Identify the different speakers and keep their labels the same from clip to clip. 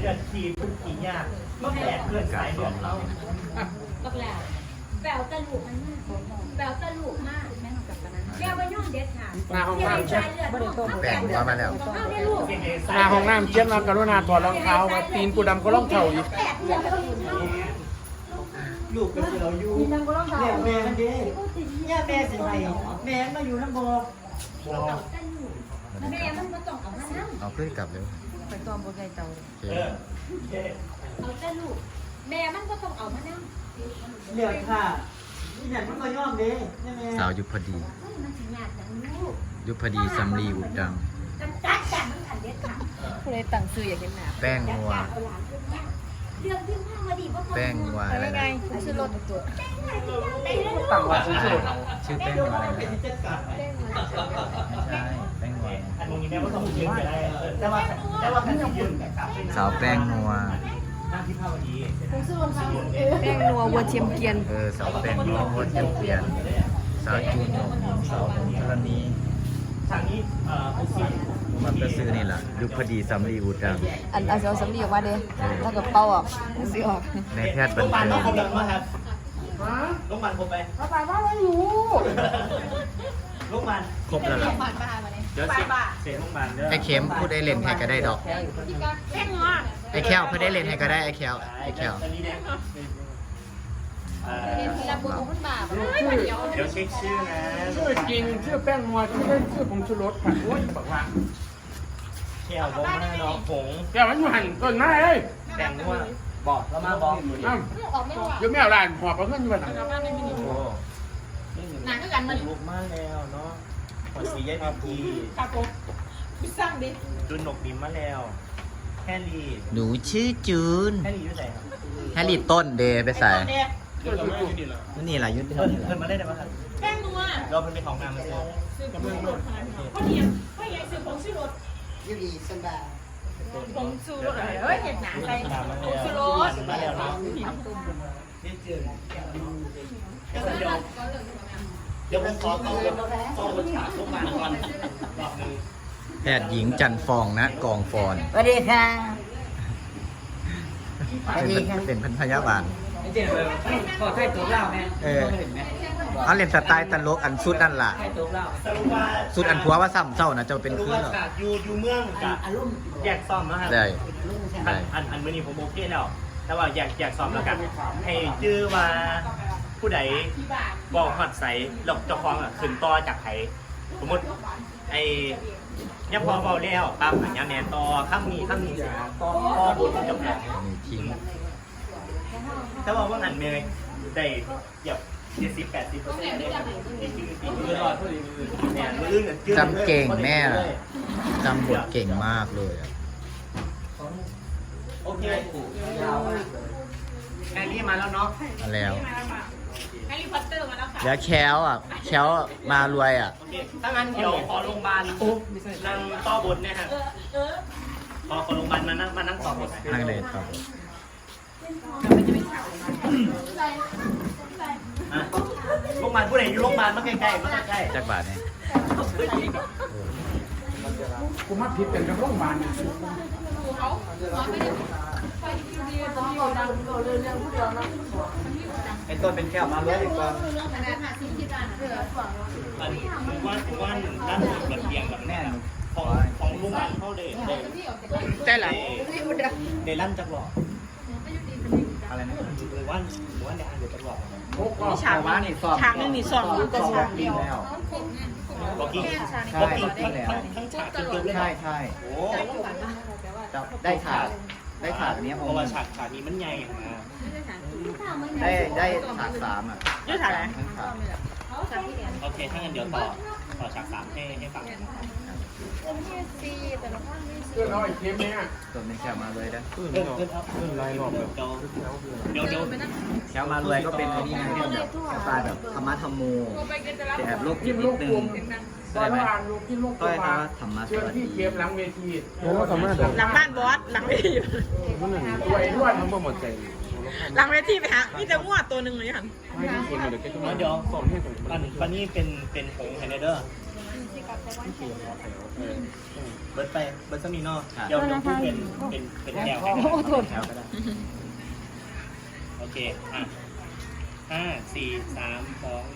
Speaker 1: เลือดทีทุกทียากก็แผลเกินสายเลือดเรา
Speaker 2: ก็แล้วแปลวตะลุกมันมากแปลวตะลุกมากแม่กับตอนนั้นแม่ว่าย่อมเด็ดค่ะ
Speaker 3: หน้าห้องน้ำเช็ด
Speaker 4: แบ่งหัวมาแล้ว
Speaker 2: เอาได้ลูก
Speaker 3: หน้าห้องน้ำเช็ดมากรุณาถอดรองเท้ามาตีนกูดำก็ร่องเท้าอีก
Speaker 1: ลูกก็เราอยู่เนี่ยแม่มันดีเนี่ยแม่สิไปแม่มาอยู่น้ำบ่อ
Speaker 2: แม่มันมาต้องเอามานั่ง
Speaker 4: เอาขึ้นกลับเร็ว
Speaker 5: ไปตอมบนไก่เตา
Speaker 4: โอเค
Speaker 2: เอาแต่ลูกแม่มันก็ต้องเอามานั่ง
Speaker 1: เลือดค่ะที่ไหนมันก็ย่อมดีแม่
Speaker 4: สาวยุพดี
Speaker 2: มันสิยากจังลูก
Speaker 4: ยุพดีสำลีอุดดัง
Speaker 2: กันจัดกันมันขันเด็ดค่ะ
Speaker 5: ผู้ใดตั้งซื้ออยากเห็นหน้า
Speaker 4: แป้งนัว
Speaker 2: เรื่องที่ข้างมาดีว่า
Speaker 4: แป้งนัวอะไร
Speaker 5: ไง
Speaker 4: นะ
Speaker 5: ซื้อรถตัว
Speaker 3: ต่างวัดสุด
Speaker 4: ชื่อแป้งนัวอะไรนะไม่ใช่แป้งนัว
Speaker 1: อันนี้แม่ว่าต้องยืนก็ได้แต่ว่าการยืนกับ
Speaker 4: สาวแป้งนัว
Speaker 1: หน้าที่ภาวดี
Speaker 5: แป้งนัววัวเทียมเกียน
Speaker 4: สาวแป้งนัวโคตรเยี่ยมเปลี่ยนสาวจูนหยงสาวหงธรณี
Speaker 1: ทางนี้ผู้สิ
Speaker 4: มันก็ซื้อนี่แหละยุพดีสำลีอุดดัง
Speaker 5: อันเอาเสียวสำลีออกมาเด้ถ้าเกิดเป่าออกซื้อออก
Speaker 4: ในแพทย์บัน
Speaker 1: โรงพยาบาล
Speaker 4: เทิ
Speaker 1: ต้อง
Speaker 4: ง
Speaker 1: ครบแล้วมั้งครับโรงพยาบาลครบไป
Speaker 5: ไปว่าไม่รู้
Speaker 1: โรงพยาบาล
Speaker 4: ครบแล้วเหรอ
Speaker 1: เดี๋ยวเสียโรงพยาบาลเด้อ
Speaker 4: ไอ้เข็มพูดได้เล่นให้ก็ได้ดอก ไอ้แควพูดได้เล่นให้ก็ได้ไอ้แควไอ้แคว
Speaker 1: อันนี้เนี่ย
Speaker 5: รับบุญของคุณบาป
Speaker 1: เดี๋ยวเช็คชื่อนะ
Speaker 3: ชื่อจริงชื่อแป้งนัวชื่อเล่นชื่อผงชูรสค่ะโอ้ยบอกว่า
Speaker 1: เที่ยวบอกมาน้องผง
Speaker 3: แกมันอยู่หันต้นไม้เลย
Speaker 1: แต่งว่าบอกแล้วมาบอก
Speaker 3: อ้าวอยู่แมวลานหอบเอาเงินอยู่บ้าน
Speaker 1: โอ้หนังก็กันมันลุกมากแล้วเนาะขอสีแยกพีจุนหนกบิมมาแล้วแฮร์รี่
Speaker 4: หนูชื่อจูน
Speaker 1: แฮร์รี่อยู่ไหนครับ
Speaker 4: แฮร์รี่ต้นเดย์ไปใส่
Speaker 3: เดี๋ยวจะดีละ
Speaker 4: นี่แหละยุทธ
Speaker 1: เพิ่นมาได้ไหมครับแป้งนัวเราเพิ่นเป็นของงานมาซื้อ
Speaker 3: กำลังรถ
Speaker 5: ผงชูรสเฮ้ยเห็ดหนาใส่
Speaker 1: ผงชูรสมาแล้วเนาะนี่จืดเดี๋ยวผมขอต้องรถฉากทุกงานก่อนรอบนึง
Speaker 4: แพทย์หญิงจันฟองนะกองฟอน
Speaker 6: สวัสดีค่ะ สวัสดีค่ะ
Speaker 4: เป็นพันพยาบาล
Speaker 6: เจ๋งเลยขอใช้ตัวเล่าแม่
Speaker 4: เอาเล่นสไตล์ตลกอันสุดนั่นล่ะ
Speaker 6: ใช้ตัวเล่า
Speaker 1: สรุปว่า
Speaker 4: สุดอันผัวว่าซ้ำเศร้านะจะเป็น
Speaker 1: สรุป
Speaker 4: คือ
Speaker 1: ว่า
Speaker 4: เหรอ
Speaker 1: ฉากอยู่เมืองกับ
Speaker 6: อารมณ์
Speaker 1: แยกซ่อมนะครับ
Speaker 4: ได้ ได้
Speaker 1: อันมื้อนี้ผมโอเคแล้ว แต่ว่าอยากซ่อมแล้วกันให้ชื่อว่าผู้ใดบอกฮอดใสหลอกเจ้าของขึ้นต่อจากไผสมมติไอ้ยัพอเบาแล้วปั๊บอันยังแนนต่อข้ามนี้เสียต่อบนเจ้าของ
Speaker 4: มีทิ้ง
Speaker 1: แต่ว่างันเมย์ได้เหยียบ70-80%ได้ครับนี่คือปีนี้รอดพอดีเนี่ยมืออื่นเนี่ย
Speaker 4: จำเก่งแม่ล่ะจำบทเก่งมากเลยอะ
Speaker 1: โอเคแฮร์รี่มาแล้วเนาะ
Speaker 4: มาแล้ว
Speaker 2: แฮร์รี่พอตเตอร์มาแล้วค่ะ
Speaker 4: แล้วแคลอ่ะแคลมารวยอ่ะ
Speaker 1: โอเคถ้างั้นเดี๋ยวขอโรงพยาบาลนั่งต่อบทเนี่ยฮะขอโรงพยาบาลมานั่งต่อบท
Speaker 4: นั่งเลยครับ
Speaker 1: โรงพยาบาลผู้ใดอยู่โรงพยาบาลมาใกล้ๆมาใกล้
Speaker 4: จักบาทเนี่ย
Speaker 3: กูมาผิดกันกับโรงพยาบาล
Speaker 1: ไอ้ต้นเป็นแก้วมาเลยดีกว่าอันนี้ผมว่าด้านบนระเบียงแบบแน่นของโรงพยาบาลเขาเลย
Speaker 5: ได้หรอ
Speaker 1: เดลั่นจักหลอกอะไรนะหรือว่าในอันเดียวจักหลอก
Speaker 3: ฉากว่านี่สอบ
Speaker 5: ฉากนึงนี่สองลูกกระฉากเดียว
Speaker 1: บอกกี้ทั้งฉากจนจบเลย
Speaker 4: ใช่ใช่
Speaker 1: โอ้
Speaker 4: ได้ฉากอันนี้
Speaker 1: เพราะว่าฉากนี้มันใหญ่นะ
Speaker 4: ได้ฉากสามอ่ะ
Speaker 5: ยืดฉากไหน
Speaker 4: ทั้งฉาก
Speaker 1: โอเคถ้างั้นเดี๋ยวต่อฉาก3ให้ฟังนะครับ
Speaker 3: เพื่อนเราไอ้เค็มเนี่ย
Speaker 4: ตัวเป็นแคลมารวยนะ
Speaker 3: ลายหลอกแบบ
Speaker 1: เดี๋ยว
Speaker 4: แคลมารวยก็เป็นอันนี้ไงเป็นแบบสไตล์แบบธรรมะธรรมโมแต่แอบโลกจิ
Speaker 3: กิ
Speaker 4: ต
Speaker 3: น
Speaker 4: นิ
Speaker 3: ลู
Speaker 4: ด
Speaker 3: ก
Speaker 4: นึ
Speaker 3: กลุ่
Speaker 4: ง
Speaker 3: มตอนอ่านลูกกินลูกกลุ่มมาเชิญพี่เค็มหลังเวทีโอ้สามารถ
Speaker 5: หลังบ้านบอสหลังเวที
Speaker 3: ตัวไอ้ด้วนทั้งหมดใจ
Speaker 5: หลังเวทีไปฮะมีแต่งวดตัวหนึ่งเลยค่ะ
Speaker 3: ไม่ได้คนเดี๋ยวแกจะมา
Speaker 1: เดี๋ยว
Speaker 3: สอนให้ผม
Speaker 1: ปันนี้เป็นหงไฮเนเดอร์เบิร์ดไปเบิร์ดสมีนอเดี๋ยวพูดเป็นแนวแข่งแถวก็ได้โอเคอ่ะ5 4 3 2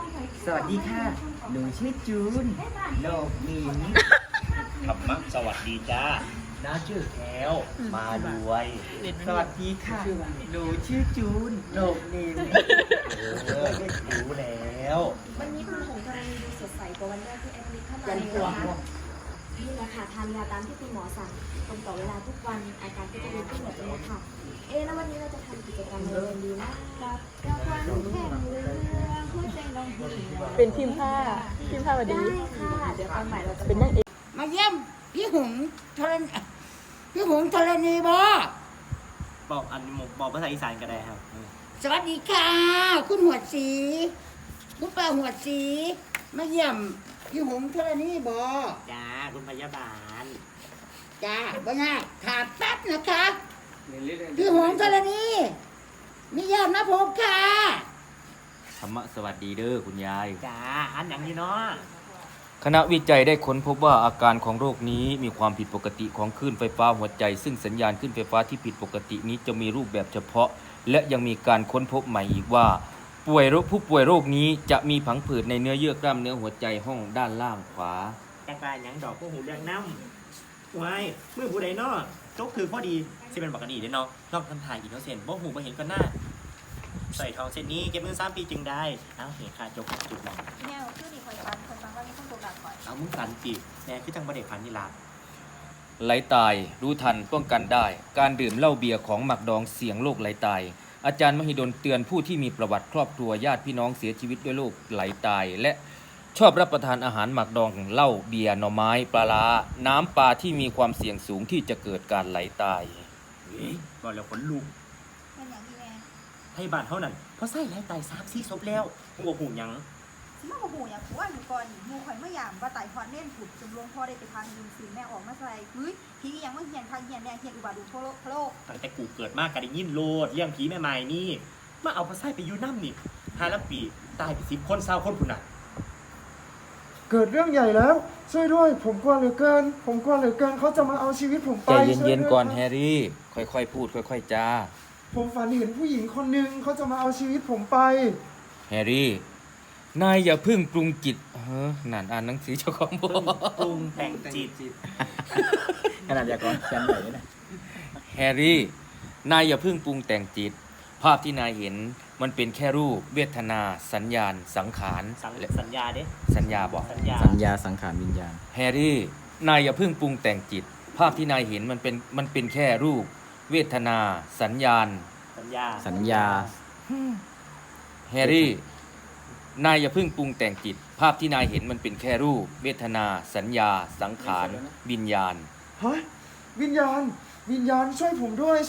Speaker 1: 1
Speaker 6: สวัสดีค่ะหนูชื่อจูนโลกนี้
Speaker 1: ธรรมะสวัสดีจ้าน้าชื่อแก้วมาด้วย
Speaker 6: สวัสดีค่ะหนูชื่อจูนโลกนี้
Speaker 1: รู้แล้ว
Speaker 7: วันนี้คุณหงส์กรณีดูสดใสกว่าวันแรกที่แอดมิดเข้ามาเลยนะคะนี่แหละค่ะทานยาตามที่คุณหมอสั่งตรงต่อเวลาทุกวันอาการก็จะดีขึ้นแบบนี้ค่ะแล้ววันนี้เราจะทำกิจกรรมอะไรกันดีนะ
Speaker 2: รางวัลแข่งเรือหัวใจลองหิว
Speaker 5: เป็นทีมผ้าวัน
Speaker 7: ได้
Speaker 5: นี้
Speaker 7: ค่ะ เดี๋ยวตอนใหม่เราจะ
Speaker 5: เป็นนั่งเอก
Speaker 8: มาเยี่ยมพี่หงธรณีพี่หงธรณีบ่
Speaker 1: บอกบอกภาษาอีสานก็ได้ครับ
Speaker 8: สวัสดีค่ะ คุณหัวดสีคุณป้าหัวดสีมาเยี่ยมพี่หงธรณีบ่
Speaker 1: จ้าคุณพยาบาล
Speaker 8: จ้าบ่ยากขาดแป๊บนะคะพี่หงธรณีมีเยี่ยมนะผมค่ะ
Speaker 9: ธรรมะสวัสดีเด้อคุณยาย
Speaker 1: จ้าอันอย่างนี้เนาะ
Speaker 9: คณะวิจัยได้ค้นพบว่าอาการของโรคนี้มีความผิดปกติของคลื่นไฟฟ้าหัวใจ ซึ่งสัญญาณคลื่นไฟฟ้าที่ผิดปกตินี้จะมีรูปแบบเฉพาะ และยังมีการค้นพบใหม่อีกว่าผู้ป่วยโรคนี้จะมีผังผืดในเนื้อเยื่อกล้ามเนื้อหัวใจห้องด้านล่างขวา
Speaker 1: แกงปลาหยังดอกพวกหูเรื่องน้ำไว้มือผู้ใดเนาะจกคือพอดีสิเป็นปกติเด้เนาะนอกทันถ่ายอีกเนาะเซนบ่หูบ่เห็นก็หน้าใส่ทองเส้นนี้เก็บเงิน3 ปีจึงได้เอ้าเห็นค่าจกจุดมอง
Speaker 7: แนวคือดีคอยฟันคนฟังว่ามีคนตัวดักคอย
Speaker 1: เอามึงสันจีแน่คือจังบ่ได้พันนี่ล่ะ
Speaker 9: ไหลตายรู้ทันป้องกันได้ การดื่มเหล้าเบียร์ของหมักดองเสี่ยงโรคไหลตาย อาจารย์มหิดลเตือนผู้ที่มีประวัติครอบครัวญาติพี่น้องเสียชีวิตด้วยโรคไหลตาย และชอบรับประทานอาหารหมักดองเหล้าเบียร์หน่อไม้ปลาร้าน้ำปลาที่มีความเสี่ยงสูงที่จะเกิดการไหลตาย
Speaker 1: บอกแล้วขนลุก
Speaker 7: เป็นอย่างที่แม่
Speaker 1: ให้บ้านเท่านั้นเพราะไส้ไหลตาย3-4ศพแล้วหัวหูหยัง
Speaker 7: สิมาโอ้โหอย่างผัวอยู่ก่อนหมูข่อยเมื่อยามว่าไต่พรเน่นผุดจนลงพ่อได้ไปทางยืนซีแม่ออกมาใส่เฮ้ยพี่ยังไม่เฮียนทางเฮียนแน่เฮียนอุบาดูโคโลก
Speaker 1: ตั้งแต่กูเกิดมากก็ได้ยินโลดเรื่องผีแม่ไม้นี่มาเอาพระไส้ไปอยู่น้ำนี่5 ละปีตายไป10 คน20 คนพุ่นน่ะ
Speaker 3: เกิดเรื่องใหญ่แล้ว ช่วยด้วยผมกลัวเหลือเกินเขาจะมาเอาชีวิตผมไป
Speaker 9: ใจเย็น
Speaker 3: ช่วด้ว
Speaker 9: ๆก่อน
Speaker 3: ครับ
Speaker 9: แฮร์รี่ ค่อยๆพูดค่อยๆจา
Speaker 3: ผมฝันเห็นผู้หญิงคนหนึ่งเขาจะมาเอาชีวิตผมไป
Speaker 9: แฮร์รี่ นายอย่าเพึ่งปรุงจิตนั่นอ่านหนังสือเจ้าของบอ
Speaker 1: ปรุงแต่งจิต
Speaker 4: ขนาดยากรเขียนเลยนะ
Speaker 9: แฮร์รี่ นายอย่าเพึ่งปรุงแต่งจิต ภาพที่นายเห็นมันเป็นแค่รูปเวทนาสัญญาณสังขาร
Speaker 1: สัญญาเด้
Speaker 9: สัญญาบอก
Speaker 1: สัญญา
Speaker 4: สัญญาสังขารวิญญาณ
Speaker 9: แฮร์รี่ นายอย่าเพึ่งปรุงแต่งจิต ภาพที่นายเห็นมันเป็นแค่รูป เวทนาสัญญาณ
Speaker 1: สัญญา
Speaker 4: สัญญา
Speaker 9: แฮร์รี่ นายอย่าเพึ่งปรุงแต่งจิต ภาพที่นายเห็นมันเป็นแค่รูป เวทนา สัญญา สังขาร วิญญาณ
Speaker 3: เฮ้ยวิญญาณช่วยผมด้วย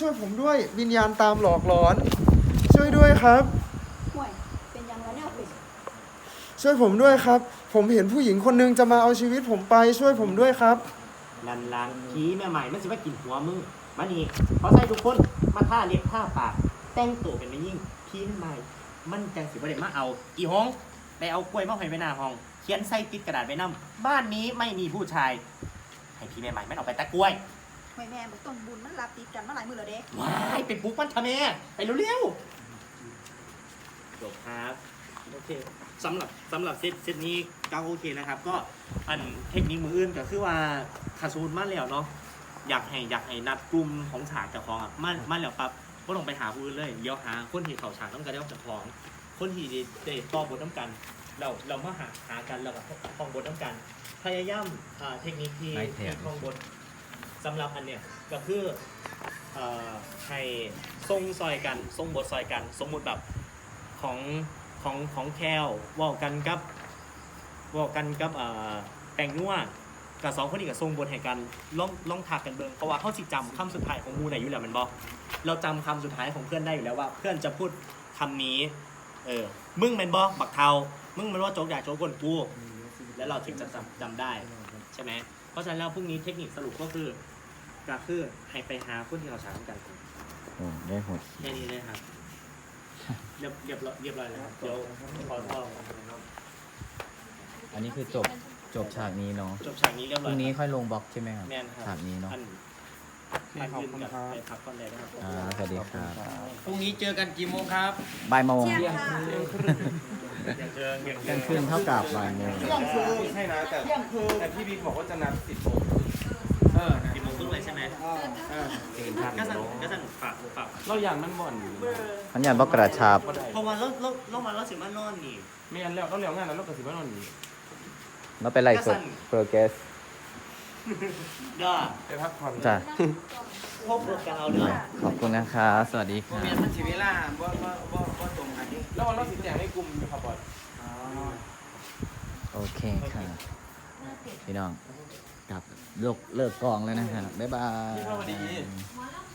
Speaker 3: วิญญาณตามหลอกหลอน ช่วยด้วยครับ
Speaker 7: ห่วยเป็นยังไงเนี่ยเป็น
Speaker 3: ช่วยผมด้วยครับ ผมเห็นผู้หญิงคนหนึงจะมาเอาชีวิตผมไปช่วยผมด้วยครับ
Speaker 1: ลันลังผีแม่ใหม่มันสิว่ากินหัวมึงมานี่เขาใส่ทุกคนมาท่าเล็บท่าปากแต่งตัวเป็นไม่ยิ่งผีแม่ใหม่มันจังสิบ่ได้มาเอาอีห้องไปเอากล้วยมาให้ไว้หน้าห้องเขียนใส่ติดกระดาษไว้นำบ้านนี้ไม่มีผู้ชายให้ผีแม่ใหม่มันออกไปตะกล้วย
Speaker 7: ห่วยแม่บอกต้นบุญมันรับติดกันมาหลายมือแล้วเด้
Speaker 1: ว้ายไปปลุกมันทำไมไปเร็วๆจบครับโอเคสำหรับเซตนี้ก็โอเคนะครับ ก็อันเทคนิคมืออื่นก็คือว่าคาซูนมาแล้วเนาะอยากให้นัดกลุ่มของฉากเจ้าของอ่ะมาแล้วปั๊บก็ลงไปหาผู้อื่นเลยเดี๋ยวหาคนที่เขาฉากต้องการเจ้าของคนที่ได้ต่อบทน้ำกันเรามาหากันแล้วก็ท่องบทน้ำกันพยายามเทคนิคที่ท่องบทสำหรับอันเนี้ยก็คือให้ทรงซอยกันทรงบทซอยกันสมมุติแบบของแคลเว่ากันกับแปลงนัวกับ2 คนนี้กับทรงบทให้กันล่องถักกันเบิ่งเพราะว่าเขาสิจำคำสุดท้ายของมูไหนอยู่แล้วมันบอกเราจำคำสุดท้ายของเพื่อนได้อยู่แล้วว่าเพื่อนจะพูดคำนี้มึงเป็นบอบักเทามึงเป็นว่าโจ๊กด่าโจ๊กกวนกูแล้วเราถึงจะจำได้ใช่ไหมเพราะฉะนั้นแล้วพรุ่งนี้เทคนิคสรุปก็คือให้ไปหาคนที่เขาฉากกัน
Speaker 4: โอ้ได้หด
Speaker 1: แค่นี้เลยครับเรียบร้อยแล้วครับเดี๋ยวขอโทษ
Speaker 4: อันนี้คือจบจบฉากนี้เนาะ
Speaker 1: จบฉากนี้เรียบ
Speaker 4: พ
Speaker 1: ร้อ
Speaker 4: รุ่
Speaker 1: ย
Speaker 4: งนี้ค่อยลงบล็อกใช่ไหมครับ
Speaker 1: แม่นครับ
Speaker 4: ฉากนี้เนาะ
Speaker 1: อันอื่นกับไปพักก่อนเลยนะครับ
Speaker 4: สวัสดีครับ
Speaker 9: พรุ่งนี้เจอกันกี่โมงครับ
Speaker 4: บ่ายโมง
Speaker 1: อย่างเจอ
Speaker 4: กลางคืนเท่ากับบ่ายโมง
Speaker 3: ใช่นะแต่พี่บิ๊กบอกว่าจะนัด10 โมง
Speaker 1: กี่โมงครึ่งเลยใช่ไหมก็สั่งฝาก
Speaker 3: เราอย่างมันบ่อน
Speaker 4: พันยันบอกกระชับ
Speaker 1: เพราะว่าเรามาเราสิมานอนนี่
Speaker 3: ไม่งั้นแล้วเราเลี้ยงงานแล้วเราก็สิว่านอนนี่
Speaker 4: เราไปไล่สดโปรเกส
Speaker 1: ก็
Speaker 3: ไปพักผ่อน
Speaker 4: จ้ะ
Speaker 1: พบกันเอาเด้อ
Speaker 4: ขอบคุณนะครับสวัสดีครับ
Speaker 6: มันสิเวลาบ่ตรงกันนี่
Speaker 3: แล้ววันเราสิแจงให้กลุ่มอยู่ครับบอส
Speaker 4: โอเคค่ะพี่น้องกลับเลิกกองแล้วนะครับบ๊ายบาย
Speaker 3: สวัสดี
Speaker 2: หมอลำ